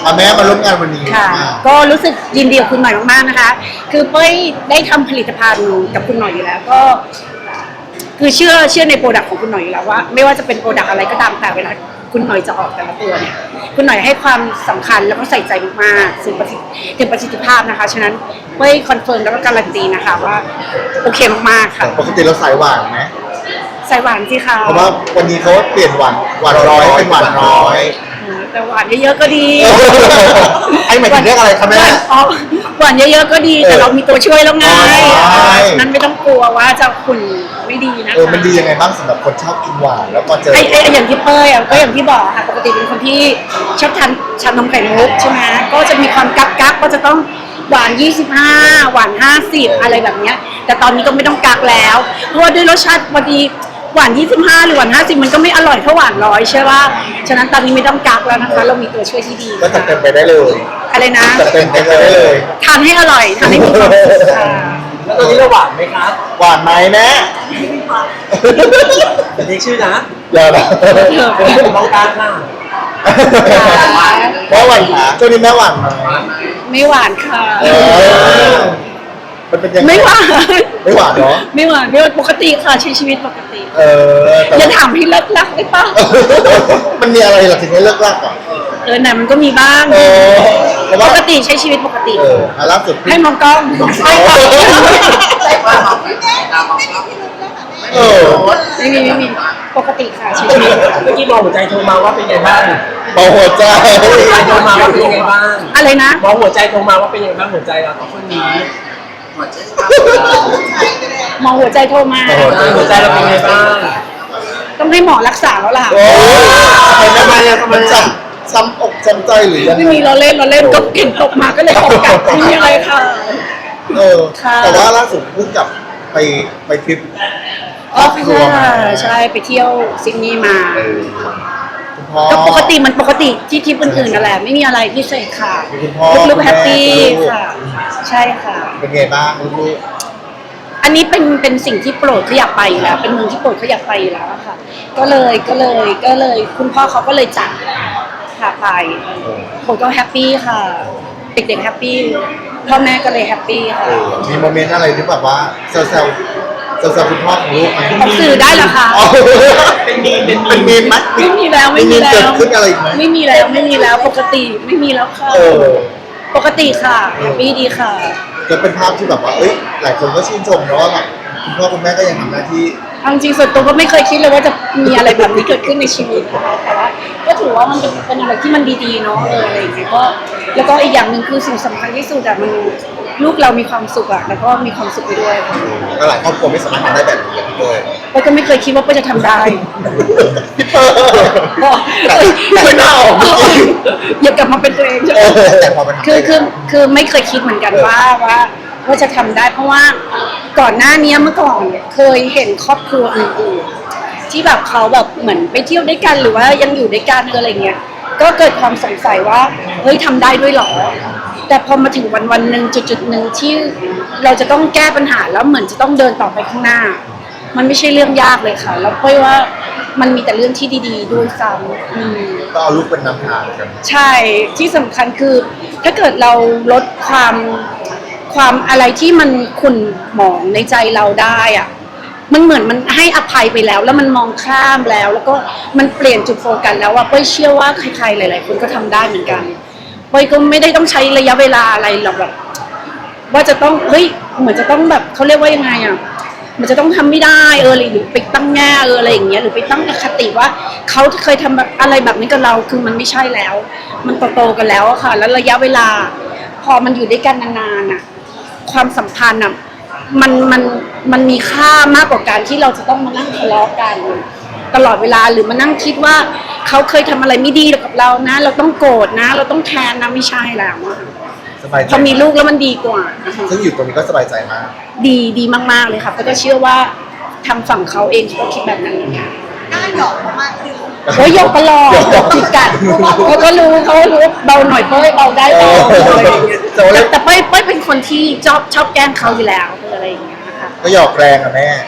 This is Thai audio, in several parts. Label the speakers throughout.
Speaker 1: แม่มาร่วมงานวันนี้
Speaker 2: ค่ะก็รู้สึกยินดีกับคุณหน่อยมากๆนะคะคือเป้ยได้ทำผลิตภัณฑ์กับคุณหน่อยอยู่แล้วก็คือเชื่อในโปรดักต์ของคุณหน่อยอยู่แล้วว่าไม่ว่าจะเป็นโปรดักต์อะไรก็ตามแต่เวลาคุณหน่อยจะออกแต่ละตัวเนี่ยคุณหน่อยให้ความสำคัญแล้วก็ใส่ใจมากๆถึงประสิทธิภาพนะคะฉะนั้นเป้ยคอนเฟิร์มแล้วก็การันตีนะคะว่าโอเคมากๆค่ะ
Speaker 1: ปกติเราสายหวานไหม
Speaker 2: ใส่หวานสิคะ
Speaker 1: เพราะว่าวันนี้เขาเปลี่ยนหวานร้อยเป็นหวานน้อย
Speaker 2: แต่หวานเยอะๆก็ดี
Speaker 1: ไอ้หมายถึงเรื่องอะไรคะแม่
Speaker 2: หวานเยอะๆก็ดีแต่เรามีตัวช่วยแล้วไงนั้นไม่ต้องกลัวว่าจะขุ่นไม่ดีนะคะ
Speaker 1: มันดียังไงบ้างสำหรับคนชอบกินหวานแล้วก็เจอ
Speaker 2: อย่างที่เป้ยก็อย่างที่บอกค่ะปกติเป็นคนที่ชอบทานชานมไข่มุกใช่ไหมก็จะมีความกักก็จะต้องหวาน25หวาน50อะไรแบบเนี้ยแต่ตอนนี้ก็ไม่ต้องกักแล้วเพราะว่าด้วยรสชาติพอดีหวาน25หรือหวาน50มันก็ไม่อร่อยเท่าหวาน100ใช่ป่ะฉะนั้นตอนนี้ไม่ต้องกักแล้วนะคะเรามีตัวช่วยที่ดี
Speaker 1: ก็จัดเต็มไปได้เลย
Speaker 2: อะไรนะ
Speaker 1: จัดเต็มไปได้เลย
Speaker 2: ทานให้อร่อยทานให้มีความสุขค่ะ
Speaker 3: แล้วตอนนี้เราหวานไหมครับ
Speaker 1: หวานไหมแม่
Speaker 3: แต่เรียกชื่อนะ
Speaker 1: อย่านะ
Speaker 3: มองการค่ะ
Speaker 1: แม่หวานค่ะช่วงนี้แม่หวานไหม
Speaker 2: ไม่หวานค่ะ
Speaker 1: มันเป็นยังไง
Speaker 2: ไม่หวาน
Speaker 1: เนาะ
Speaker 2: ไม่หวานปกติค่ะใช้ชีวิตปกติอย่าถามให้เลิกรักได้ป่ะ
Speaker 1: มันมีอะไรล่ะถึงให้เลิกรักอ่ะ
Speaker 2: ไหนมันก็มีบ้างปกติใช้ชีวิตปกติ
Speaker 1: ล่าสุด
Speaker 2: ให้มองกล้องใช่ค่ะไม่มีปกติค่ะชีวิต
Speaker 3: เมื่อกี้มองหัวใจโทรมาว่าเป็นไงบ้าง
Speaker 1: มองหัวใจ
Speaker 3: โทรมาว่าเป็นไงบ้าง
Speaker 2: อะไรนะ
Speaker 3: มองหัวใจโทรมาว่าเป็นไงบ้างหัวใจเราต่อคนนี้
Speaker 2: มองหัวใจโทรมา
Speaker 3: หัวใจเราเป็นไงบ้าง
Speaker 2: ต้องให้หมอรักษาแล้วล่ะ
Speaker 1: ทำไมซ้ำอกซ้ำใจหรือยัง
Speaker 2: ไม่มีเราเล่นก็เก่งตกมาก็เลยตกกลับไม่มีอะไรค่ะ
Speaker 1: แต่ว่าล่าสุดเพิ่งกลับไปทริป
Speaker 2: ใช่ไปเที่ยวซิดนีย์มาก็ปกติที่ทริปอื่นๆนั่นแหละไม่มีอะไรพิเศษค่ะลูกแฮปปี้ค่ะใช่ค่ะ
Speaker 1: เป็นไงบ้างลูก
Speaker 2: อันนี้เป็นสิ่งที่โปรดเขาอยากไปอยู่แล้วเป็นเมืองที่โปรดเขาอยากไปอยู่แล้วค่ะก็เลยคุณพ่อเขาก็เลยจัดพาไปผมก็แฮปปี้ค่ะเด็กๆแฮปปี้พ่อแม่ก็เลยแฮปปี้ค่ะ
Speaker 1: มีโมเมนต์อะไรที่แบบว่าเซลคุณพ่อของลูกไหม
Speaker 2: ออกสื่อได้เหรอคะ
Speaker 3: เป็นมี
Speaker 1: มไหม
Speaker 2: ไม่มีแล้ว
Speaker 1: เกิดขึ้นอะไรไหม
Speaker 2: ไม่มีแล้วปกติไม่มีแล้วค่ะปกติค่ะแฮปปี้ดีค่ะ
Speaker 1: จะเป็นภาพที่แบบว่าหลายคนก็ชื่นชมนะว่าแบบคุณพ่อคุณแม่ก็ยังทำหน้าที่
Speaker 2: จริงส่วนตัวก็ไม่เคยคิดเลยว่าจะมีอะไรแบบนี้เกิดขึ้นในชีวิตนะคะแต่ว่าก็ถือว่ามันเป็นอะไรที่มันดีๆเนาะอะไรอย่างเงี้ยก็แล้วก็อีกอย่างหนึ่งคือสิ่งสำคัญที่สุดมันลูกเรามีความสุขแล้วก็มีความสุขไปด้วย
Speaker 1: ก็หลายครอบครัวไม่สามารถทำได้แบบนี้เลย
Speaker 2: ก็ไม่เคยคิดว่าจะทำได้
Speaker 1: ไม่น่าออก
Speaker 2: อย่ากลับมาเป็นตัวเองใช่ไหมคือไม่เคยคิดเหมือนกันว่าจะทำได้เพราะว่าก่อนหน้านี้เมื่อก่อนเคยเห็นครอบครัวอื่นๆที่แบบเขาแบบเหมือนไปเที่ยวด้วยกันหรือว่ายังอยู่ด้วยกันอะไรเงี้ยก็เกิดความสงสัยว่าเฮ้ยทำได้ด้วยหรอแต่พอมาถึงวันหนึ่งจุดหนึ่งที่เราจะต้องแก้ปัญหาแล้วเหมือนจะต้องเดินต่อไปข้างหน้ามันไม่ใช่เรื่องยากเลยค่ะแล้วเพราะว่ามันมีแต่เรื่องที่ดีๆด้วยซ้ำ
Speaker 1: ก็เอาลูกเป็นนำทางกัน
Speaker 2: ใช่ที่สำคัญคือถ้าเกิดเราลดความอะไรที่มันขุ่นหมองในใจเราได้อะมันเหมือนมันให้อภัยไปแล้วมันมองข้ามแล้วก็มันเปลี่ยนจุดโฟกัสแล้วเป้ยเชื่อว่าใครๆหลายๆคนก็ทำได้เหมือนกันเป้ยก็ไม่ได้ต้องใช้ระยะเวลาอะไรหรอกแบบว่าจะต้องเหมือนจะต้องแบบเขาเรียกว่ายังไงอ่ะมันจะต้องทำไม่ได้หรือไปตั้งแง่อะไรอย่างเงี้ยหรือไปตั้งอคติว่าเขาเคยทำแบบอะไรแบบนี้กับเราคือมันไม่ใช่แล้วมันโตๆกันแล้วค่ะแล้วระยะเวลาพอมันอยู่ด้วยกันนานๆอ่ะความสัมพันธ์อ่ะมันมีค่ามากกว่าการที่เราจะต้องมานั่งทะเลาะกันตลอดเวลาหรือมานั่งคิดว่าเขาเคยทำอะไรไม่ดีกับเรานะเราต้องโกรธนะเราต้องแทนนะไม่ใช่แล้วพอมีลูกแล้วมันดีกว่า
Speaker 1: ซึ่งอยู่ตรงนี้ก็สบายใจมาก
Speaker 2: ดีมากๆเลยค่ะก็เชื่อว่าทางฝั่งเขาเองก็คิดแบบนั้นเหมือนกัน
Speaker 4: น่าหยอกมากขึ้น
Speaker 2: ยกตลอดจิกกัดเขาก็รู้เบาหน่อยเป้ยเบาได้เบาอะไรอย่างเงี้ยแต่เป้ยเป็นคนที่ชอบแกล้งเขาอยู่แล้วอะไรอย่างเงี้ยนะคะ
Speaker 1: ก็หยอกแรงอะแม่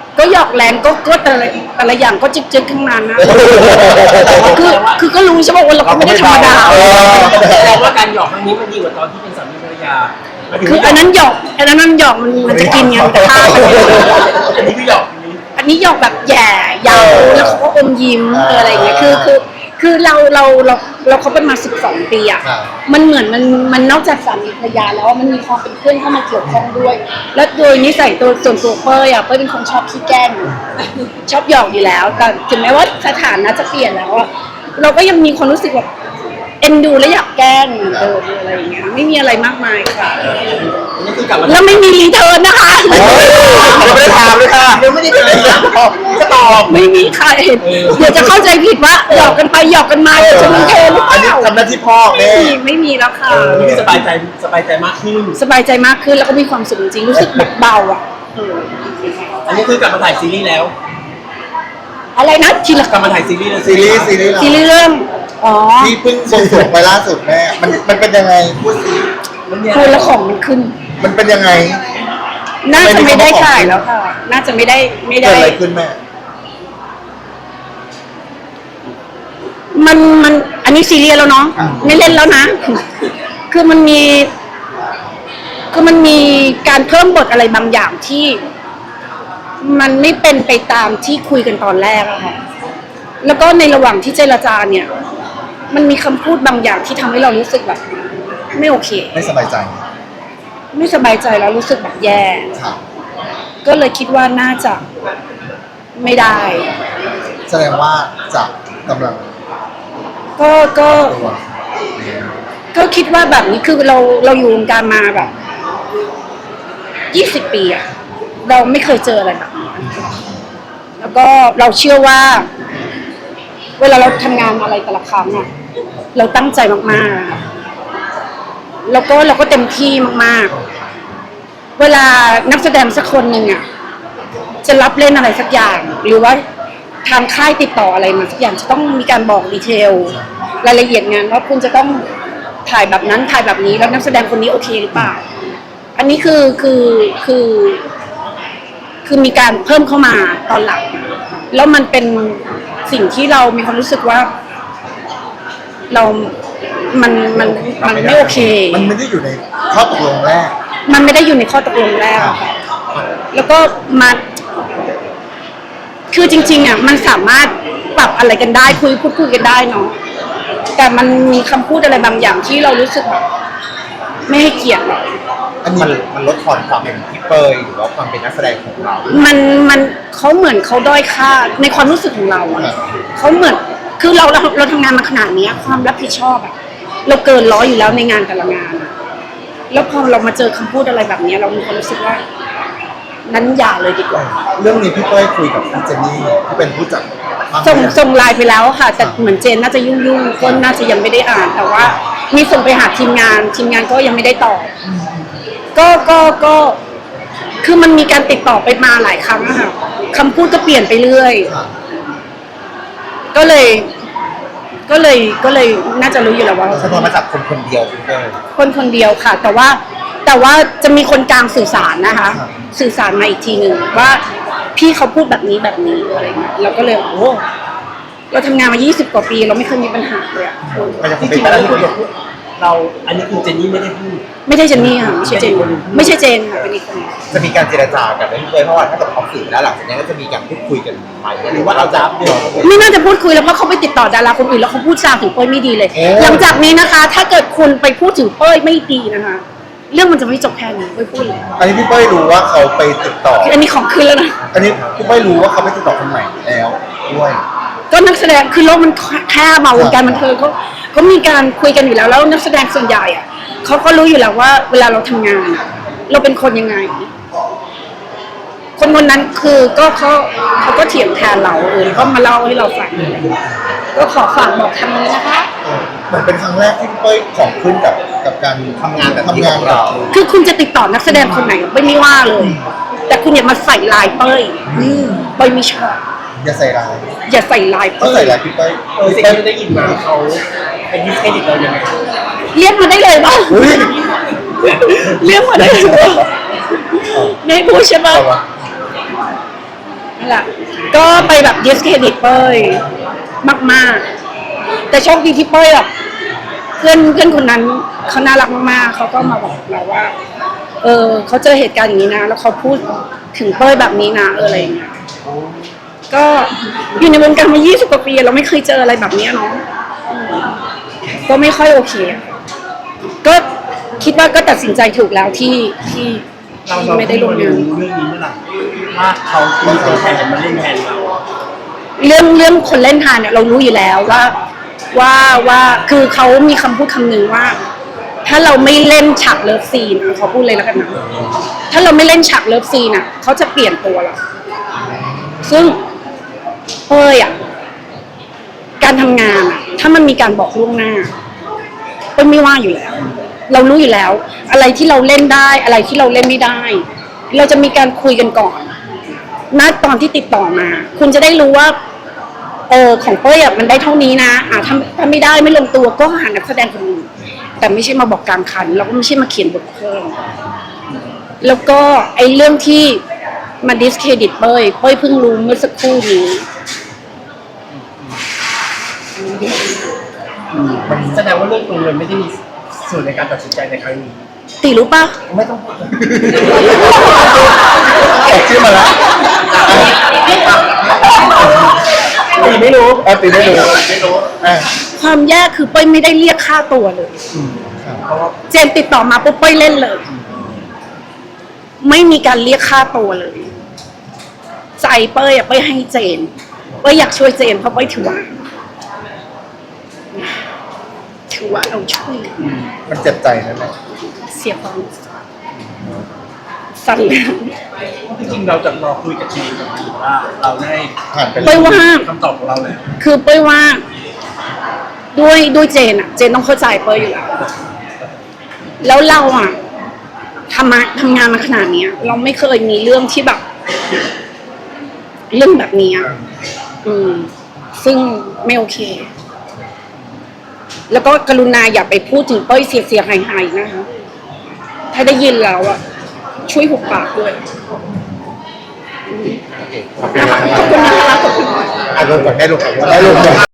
Speaker 2: ก็หยอกแรงก็แต่ละอย่างก็จึ๊กๆข้างนั้นนะคือก็รู้ใช่ไหมว่าเราก็ไม่ได้ธรรมดา
Speaker 3: แสดงว่าการหยอกครั้งนี้มันดีกว่าตอนที่เป็นสามีภรรยา
Speaker 2: คืออันนั้นหยอกมันจะกินกันแต่ฆ่ากัน
Speaker 3: อันนี้คือหยอก
Speaker 2: อันนี้หยอกแบบแย่ยาวแล้วเขาก็อมยิ้มอะไรอย่างเงี้ยคือเราเขาเป็นมา12 ปีอ่ะมันเหมือนมันนอกจากสามีภรรยาแล้วมันมีความเป็นเพื่อนเข้ามาเกี่ยวข้องด้วย แล้วโดยนิสัยตัวส่วนตัวเป้ยอ่ะเป้ยเป็นคนชอบขี้แกล้งชอบหยอกอยู่แล้วแต่ถึงแม้ว่าสถานะจะเปลี่ยนแล้วอ่ะเราก็ยังมีความรู้สึกแบบเอ็นดูและอยากแกล้งอะไรอย่างเงี้ยไม่มีอะไรมากมายค่ะ
Speaker 3: อันนี้คือกลับมา
Speaker 2: แล้วไม่มีรีเทิร์นนะคะ
Speaker 1: ยังไม่ได้ถามเลยค่ะยังไม่ได้ถามก็ตอบ
Speaker 2: ไม่มีใครเดี๋ยวจะเข้าใจผิดว่าหยอกกันไปหยอกกันมาเดี๋ยวจะมีเทหรือเป
Speaker 1: อันนี้
Speaker 2: ล่า
Speaker 1: ทำหน้าที่พ่อแม่
Speaker 2: ไม่มีแล้วค่ะ
Speaker 3: อันนี้คือสบายใจมากขึ้น
Speaker 2: สบายใจมากขึ้นแล้วก็มีความสุขจริงๆรู้สึกแบบเบาอ่ะ
Speaker 3: อันนี้คือกลับมาถ่ายซีรีส์แล้ว
Speaker 2: อะไรนะทีละ
Speaker 3: กลับมาถ่ายซีรีส์แล้ว
Speaker 1: ซีรีส์
Speaker 2: ทีละเรื่องอ๋อ
Speaker 1: ที่เพิ่งบวงสรวงไปล่าสุดแม่มันเป็นยังไงพูดสิ
Speaker 2: พูดแล้วของมันขึ้น
Speaker 1: มันเป็นยังไง
Speaker 2: น่าจะไม่ได้ถ่ายแล้วค่ะ น่าจะไม่ได้
Speaker 1: เกิดอะไรขึ้นแม่
Speaker 2: มันอันนี้ซีเรียสแล้วเนาะไม่เล่นแล้วนะ คือมันมีการเพิ่มบทอะไรบางอย่างที่ มันไม่เป็นไปตามที่คุยกันตอนแรกอะค่ะ แล้วก็ในระหว่างที่เจรจาเนี่ย มันมีคำพูดบางอย่างที่ทำให้เรารู้สึกแบบ ไม่โอเค
Speaker 1: ไม่สบายใจ
Speaker 2: ไม่สบายใจแล้วรู้สึกแบบแย่
Speaker 1: ครับ
Speaker 2: ก็เลยคิดว่าน่าจะไม่ได้
Speaker 1: แสดงว่าจะกำลัง
Speaker 2: ก็
Speaker 1: ตัว
Speaker 2: ก็คิดว่าแบบนี้คือเราอยู่วงการมาแบบ20 ปีอะเราไม่เคยเจออะไรแบบนี้แล้วก็เราเชื่อว่า เวลาเราทำงานอะไรแต่ละครั้งอะเราตั้งใจมากๆแล้วก็เราก็เต็มที่มากๆเวลานักแสดงสักคนหนึ่งอะจะรับเล่นอะไรสักอย่าง หรือว่าทางค่ายติดต่ออะไรมาสักอย่างจะต้องมีการบอกดีเทลรายละเอียดงานว่าคุณจะต้องถ่ายแบบนั้นถ่ายแบบนี้แล้วนักแสดงคนนี้โอเคหรือเปล่า อันนี้คือมีการเพิ่มเข้ามาตอนหลังแล้วมันเป็นสิ่งที่เรามีความรู้สึกว่า มันไม่โอเค
Speaker 1: มันไม่ได้อยู่ในข้อตกลงแรก
Speaker 2: มันไม่ได้อยู่ในข้อตกลงแรกอะค่ะแล้วก็มาคือจริงๆอ่ะมันสามารถปรับอะไรกันได้พูดคุยกันได้เนาะแต่มันมีคำพูดอะไรบางอย่างที่เรารู้สึกแบบไม่ให้เกียรติเรา
Speaker 1: อันนี้มันลดทอนความเป็นพี่เปยหรือว่าความเป็นนักแสดงของเรา
Speaker 2: มันเขาเหมือนเขาด้อยค่าในความรู้สึกของเราอะเขาเหมือนคือเราทำงานมาขนาดนี้ความรับผิดชอบอะเราเกินร้อยอยู่แล้วในงานแต่ละงานอะแล้วพอเรามาเจอคำพูดอะไรแบบนี้เรามีความรู้สึกว่า นั้นอย่าเลยดีกว่า
Speaker 1: เรื่องนี้พี่เป้ยคุยกับพี่เจนนี่ที่เป็นผู้จัดภาพยนตร์
Speaker 2: ส่งไลน์ไปแล้วค่ะ แต่เหมือนเจนน่าจะยุ่งๆก็น่าจะยังไม่ได้อ่าน แต่ว่ามีส่งไปหาทีมงานก็ยังไม่ได้ตอบก็คือมันมีการติดต่อไปมาหลายครั้งอะค่ะคำพูดก็เปลี่ยนไปเรื่อย ก็เลยน่าจะรู้อยู่แล้วว่า
Speaker 1: สะท้อนมาจากคนคนเดียวพี่เป้ย
Speaker 2: คนเดียวค่ะ แต่ว่าจะมีคนกลางสื่อสารนะคะ สื่อสารมาอีกทีหนึ่งว่าพี่เขาพูดแบบนี้อะไรเงี้ยเราก็เลยโอ้เราทำงานมา20 กว่าปีเราไม่เคยมีปัญหาเลยอะ
Speaker 1: มันยัง
Speaker 3: จ
Speaker 1: เป็น
Speaker 3: ริง
Speaker 1: ไป
Speaker 3: ๆ
Speaker 1: ได้
Speaker 3: แล้ว
Speaker 1: ที่
Speaker 3: คุยกับเราอันนี้คือเจนนี่ไม่ได้พูด
Speaker 2: ไม่ใช่เจนนี่ค่ะไม่ใช่เจนค่ะเป็นอีกคน
Speaker 1: จะมีการเจรจากันไหมพี่เป้ยเพราะว่าถ้าเกิดออกสื่อแล้วหลังจากนี้ก็จะมีการพูดคุยกันใหม่หรือว่าเราจะ
Speaker 2: ไม่น่าจะพูดคุยแล้วเพราะเขาไปติดต่อดาราคนอื่นแล้วเขาพูดจาถึงเป้ยไม่ดีเลย หลังจากนี้นะคะ ถ้าเกิดคุณไปพูดถึงเป้ยไม่ดีนะคะ เรื่องมันจะไม่จบแค่นี้เป้ยพูดเลย
Speaker 1: อันนี้พี่เป้ยรู้ว่าเขาไปติดต่อ
Speaker 2: อันนี้ของขึ้นแล้วนะ
Speaker 1: อันนี้พี่เป้ยรู้ว่าเขาไปติดต่อคนใหม่แล้วด้วย
Speaker 2: ก็นักแสดงคือโลกมันแคบมาวงการบันเทิงเขามีการคุยกันอยู่แล้วแล้วนักแสดงส่วนใหญ่อะเขาก็รู้อยู่แล้วว่าเวลาเราทำงานอะเราเป็นคนยังไง คนนั้นคือก็เขาก็เถียงแทนเราก็มาเล่าให้เราฟังก็ขอฝากบอกทางนี้นะคะ
Speaker 1: เหมือนเป็นครั้งแรกที่พี่เป้ยของขึ้นกับการทำงานกับเรา
Speaker 2: คือคุณจะติดต่อนักแสดงคนไหนไม่ว่าเลย แต่คุณอย่ามาใส่ลายเป้ยเป้ยไม่ชอบ
Speaker 1: อย่าใส่ร้าย
Speaker 2: อย่าใส่ลาย
Speaker 1: เขา
Speaker 2: เป้ย
Speaker 1: ใส่ร้ายพี่เป้ย
Speaker 3: สิ่งที่ได้ยินมาเขาเป็นดิสเครดิตเรายังไง
Speaker 2: เรียกมาได้เลยป่ะ
Speaker 1: อุ้ย
Speaker 2: เรียกมาได้เลยป่ะไม่พูดใช่ป่ะ
Speaker 1: เอาวะ
Speaker 2: นั่นแหละก็ไปแบบดิสเครดิตเป้ยมากๆแต่โชคดีที่เป้ยแบบเพื่อนคนนั้นเขาน่ารักมากๆเขาก็มาบอกเราว่าเขาเจอเหตุการณ์อย่างนี้นะแล้วเขาพูดถึงเป้ยแบบนี้นะอะไรอย่างเงี้ยก็อยู่ในวงการมา20 กว่าปีเราไม่เคยเจออะไรแบบนี้เนาะก็ไม่ค่อยโอเคก็คิดว่าก็ตัดสินใจถูกแล้วที่ไม่ได้ลงงาน
Speaker 3: เรื่องนี้เมื่อไหร่ว่าเขามีตัวแทนมาเล่นแทนเรา
Speaker 2: เรื่องคนเล่นทานเนี่ยเรารู้อยู่แล้วว่าคือเขามีคำพูดคำหนึ่งว่า ถ้าเราไม่เล่นฉากเลิฟซีนเขาพูดเลยแล้วกันนะถ้าเราไม่เล่นฉากเลิฟซีนอ่ะเขาจะเปลี่ยนตัวเราซึ่งการทำงานถ้ามันมีการบอกล่วงหน้าไม่ว่าอยู่แล้ว เรารู้อยู่แล้ว อะไรที่เราเล่นได้อะไรที่เราเล่นไม่ได้ เราจะมีการคุยกันก่อนณตอนที่ติดต่อมาคุณจะได้รู้ว่าของเป้ยมันได้เท่านี้นะถ้าไม่ได้ไม่ลงตัวก็หานักแสดงคนอื่นแต่ไม่ใช่มาบอกกลางคันแล้วก็ไม่ใช่มาเขียนบทเพิ่มแล้วก็ไอ้เรื่องที่มาดิสเครดิตเป้ยเพิ่งรู้เมื่อสักครู่นี้
Speaker 3: แสดงว่าเรื่องตรงเงินไม่ได้มีส่วนในการตัดสินใจในครั้งนี้
Speaker 2: ติรู้ปะ
Speaker 3: ไม่ต้องพูด
Speaker 1: แอบชื่อมาแล้ว
Speaker 3: ตีไม่รู้
Speaker 1: ตีไม่รู้
Speaker 2: ความแย่คือเป้ยไม่ได้เรียกค่าตัวเลย
Speaker 3: เพราะว่า
Speaker 2: เจนติดต่อมาปุ๊บเป้ยเล่นเลย ไม่มีการเรียกค่าตัวเลยใจเป้ยเป้ยให้เจนเป้ยอยากช่วยเจนเพราะเป้ยถือว่าเราช่วย
Speaker 1: มันเจ็บใจนั่นแหละ
Speaker 2: เสียความสั่นเลย
Speaker 3: จริงๆเราจะรอคุยกับทีมว่าเราได้
Speaker 1: ผ่านไป
Speaker 2: เป้ยว่า
Speaker 3: คำตอบของเราแล้ว
Speaker 2: คือเป้ยว่าด้วยเจนเจนต้องเข้าใจเป้ยอยู่แล้วแล้วเราทำงานมาขนาดนี้เราไม่เคยมีเรื่องที่แบบเรื่องแบบนี้ซึ่งไม่โอเคแล้วก็กรุณาอย่าไปพูดถึงเป้ยเสียหายๆนะคะถ้าได้ยินแล้วช่วยหุบปากด้วย
Speaker 1: ขอบคุณนะคะขอบคุณนะคะขอบคุณได้ลงก่อนได้ลง